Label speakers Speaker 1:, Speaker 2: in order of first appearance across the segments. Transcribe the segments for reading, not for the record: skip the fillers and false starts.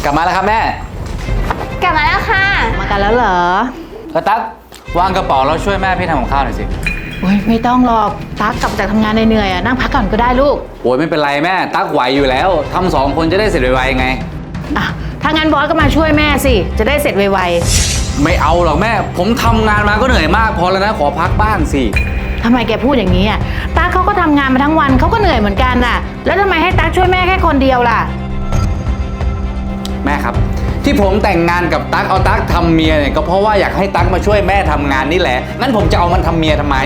Speaker 1: กลับมาแล้วครับแม่
Speaker 2: กลับมาแล้วค่ะ
Speaker 3: มากันแล้วเหรอ
Speaker 1: ตั๊กวางกระเป๋าแล้วช่วยแม่พี่ทำกับข้าวหน่อยสิ
Speaker 3: โอ้ยไม่ต้องหรอกตั๊กกลับจากทำงานเหนื่อยๆนั่งพักก่อนก็ได้ลูก
Speaker 1: โอ้ยไม่เป็นไรแม่ตั๊กไหวอยู่แล้วทำ2 คนจะได้เสร็จไวๆไง
Speaker 3: อ่ะถ้างั้นบอสก็มาช่วยแม่สิจะได้เสร็จไว
Speaker 1: ๆไม่เอาหรอกแม่ผมทำงานมาก็เหนื่อยมากพอแล้วนะขอพักบ้างสิ
Speaker 3: ทำไมแกพูดอย่างนี้อ่ะตั๊กเขาก็ทำงานมาทั้งวันเขาก็เหนื่อยเหมือนกันน่ะแล้วทำไมให้ตั๊กช่วยแม่แค่คนเดียวล่ะ
Speaker 1: แม่ครับที่ผมแต่งงานกับตั๊กเอาตั๊กทำเมียเนี่ยก็เพราะว่าอยากให้ตั๊กมาช่วยแม่ทำงานนี่แหละงั้นผมจะเอามันทำเมียทำไม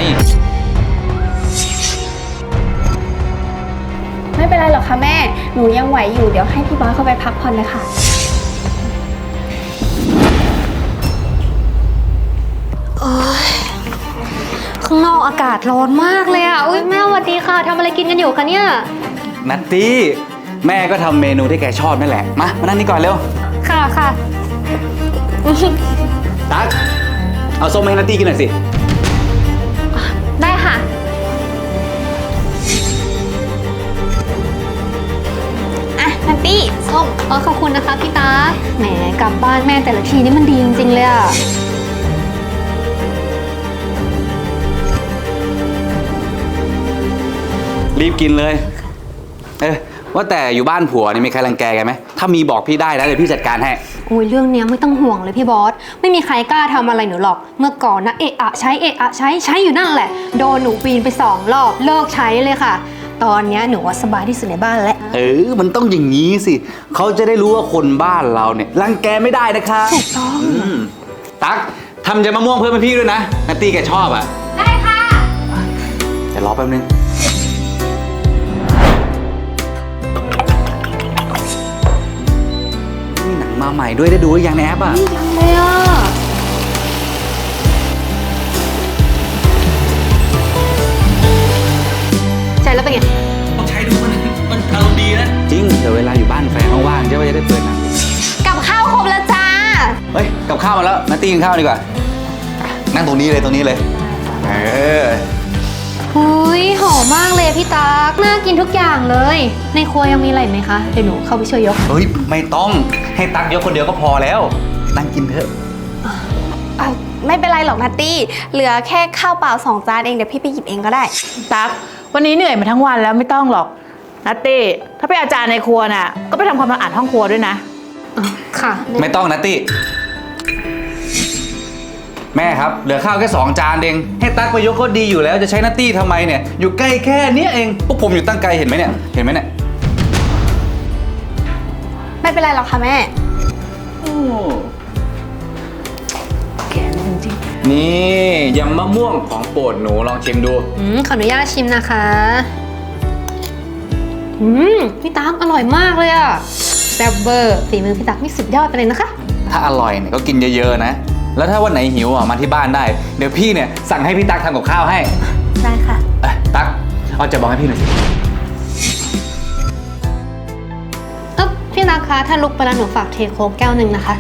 Speaker 2: ไม่เป็นไรหรอกค่ะแม่หนูยังไหวอยู่เดี๋ยวให้พี่บอสเข้าไปพักผ่อนเลยค่ะ
Speaker 4: ข้างนอกอากาศร้อนมากเลยอ่ะอุ้ยแม่สวัสดีค่ะทำอะไรกินกันอยู่คะเนี่ย
Speaker 1: นัตตี้แม่ก็ทำเมนูที่แกชอบนั่นแหละมานั่งนี่ก่อนเร็ว
Speaker 4: ค่ะ
Speaker 1: ตั๊กเอาส้มให้นัตตี้กินหน่อยสิ
Speaker 4: ได้ค่ะ
Speaker 2: นัตตี้ส้ม
Speaker 4: ขอบคุณนะคะพี่ตาแหมกลับบ้านแม่แต่ละทีนี่มันดีจริงๆเลยอ่ะ
Speaker 1: รีบกินเลยว่าแต่อยู่บ้านผัวนี่มีใครรังแกกันไหมถ้ามีบอกพี่ได้นะเดี๋ยวพี่จัดการให้
Speaker 4: โอ้ยเรื่องนี้ไม่ต้องห่วงเลยพี่บอสไม่มีใครกล้าทำอะไรหนูหรอกเมื่อก่อนนะเอะใช้อยู่นั่นแหละโดนหนูปีนไป2 รอบเลิกใช้เลยค่ะตอนนี้หนูว่าสบายที่สุดในบ้านแล้ว
Speaker 1: มันต้องอย่างนี้สิเขาจะได้รู้ว่าคนบ้านเราเนี่ยรังแกไม่ได้นะคะ
Speaker 4: ถูกต้อง
Speaker 1: ตั๊กทำยำมะม่วงเพิ่มให้พี่ด้วยนะนัตตี้แกชอบอ่ะ
Speaker 4: ได้ค่ะ
Speaker 1: จะรอแป๊บนึงนี่หนังมาใหม่ด้วยได้ดูหรือยังในแอปอ่ะ
Speaker 4: ยังเลยอ่ะใช่แล้วเป็นไง
Speaker 1: ต้องใช้ดูมันอารมณ์ดีนะจริงแต่เวลาอยู่บ้านแฟนว่างๆจะได้เปิดหนัง
Speaker 4: กับข้าวครบแล้วจ้า
Speaker 1: เฮ้ยกับข้าวมาแล้วนัตตี้กินข้าวดีกว่านั่งตรงนี้เลย
Speaker 4: หุ้ยหอมมากเลยพี่ตั๊กน่ากินทุกอย่างเลยในครัวยังมีอะไรไหมคะเดี๋ยวหนูเข้าไปช่วยยก
Speaker 1: เฮ้ยไม่ต้องให้ตั๊กยกคนเดียวก็พอแล้วนั่งกินเถอะ
Speaker 2: ไม่เป็นไรหรอกนัตตี้เหลือแค่ข้าวเปล่า2 จานเองเดี๋ยวพี่ไปหยิบเองก็ได้
Speaker 3: ตั๊กวันนี้เหนื่อยมาทั้งวันแล้วไม่ต้องหรอกนัตตี้ถ้าเป็นอาจารย์ในครัวน่ะก็ไปทำความสะอาดห้องครัวด้วยนะ
Speaker 4: ค่ะ
Speaker 1: ไม่ต้องนัตตี้แม่ครับเหลือข้าวแค่2 จานเองให้ตั๊กไปยกก็ดีอยู่แล้วจะใช้นัตตี้ทำไมเนี่ยอยู่ใกล้แค่นี้เองพวกผมอยู่ตั้งไกลเห็นไหมเนี่ย
Speaker 2: ไม่เป็นไรหรอกค่ะแม่
Speaker 3: แกจริง
Speaker 1: นี่ยำมะม่วงของโปรดหนูลองชิมดู
Speaker 4: ขออนุญาตชิมนะคะพี่ตั๊กอร่อยมากเลยอะแซ่บเบอร์ฝีมือพี่ตั๊กนี่สุดยอดไปเลยนะคะ
Speaker 1: ถ้าอร่อยเนี่ยก็กินเยอะๆนะแล้วถ้าวันไหนหิวมาที่บ้านได้เดี๋ยวพี่เนี่ยสั่งให้พี่ตั๊กทำกับข้าวให้
Speaker 2: ได้ค่ะ
Speaker 1: ตั๊กเอาจะบอกให้พี่หน่อยสิ
Speaker 4: พี่ตั๊กคะถ้าลุกไปแล้วหนูฝากเทโค้กแก้วหนึ่งนะคะ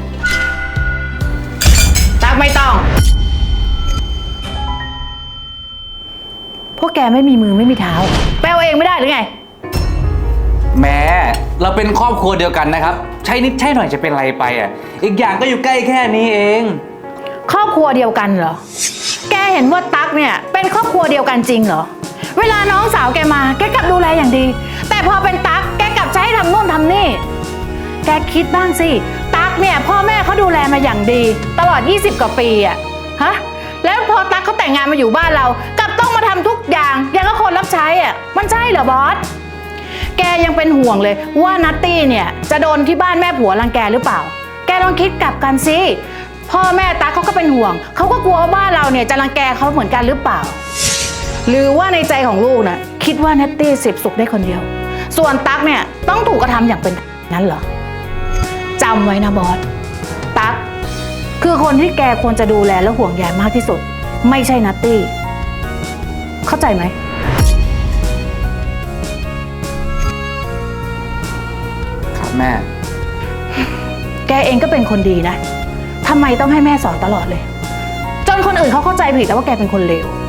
Speaker 3: ตั๊กไม่ต้องพวกแกไม่มีมือไม่มีเท้าแปลเองไม่ได้หรือไง
Speaker 1: แม่เราเป็นครอบครัวเดียวกันนะครับใช่นิดใช่หน่อยจะเป็นไรไปอีกอย่างก็อยู่ใกล้แค่นี้เอง
Speaker 3: ครอบครัวเดียวกันเหรอแกเห็นว่าตั๊กเนี่ยเป็นครอบครัวเดียวกันจริงเหรอเวลาน้องสาวแกมาแกกลับดูแลอย่างดีแต่พอเป็นตั๊กแกกลับใช้ทำโน่นทำนี่แกคิดบ้างสิตั๊กเนี่ยพ่อแม่เขาดูแลมาอย่างดีตลอด20 กว่าปีแล้วพอตั๊กเขาแต่งงานมาอยู่บ้านเรากลับต้องมาทำทุกอย่างอย่างกับคนรับใช้มันใช่เหรอบอสแกยังเป็นห่วงเลยว่านัตตี้เนี่ยจะโดนที่บ้านแม่ผัวรังแกหรือเปล่าแกลองคิดกลับกันสิพ่อแม่ตั๊กเขาก็เป็นห่วงเขาก็กลัวว่าบ้านเราเนี่ยจะรังแกเขาเหมือนกันหรือเปล่าหรือว่าในใจของลูกนะคิดว่านัตตี้เสพสุขได้คนเดียวส่วนตั๊กเนี่ยต้องถูกกระทำอย่างเป็นนั้นเหรอจำไว้นะบอสตั๊กคือคนที่แกควรจะดูแลและห่วงใยมากที่สุดไม่ใช่นัตตี้เข้าใจไหม
Speaker 1: ครับแม่
Speaker 3: แกเองก็เป็นคนดีนะทำไมต้องให้แม่สอนตลอดเลยจนคนอื่นเขาเข้าใจผิดแล้วว่าแกเป็นคนเลว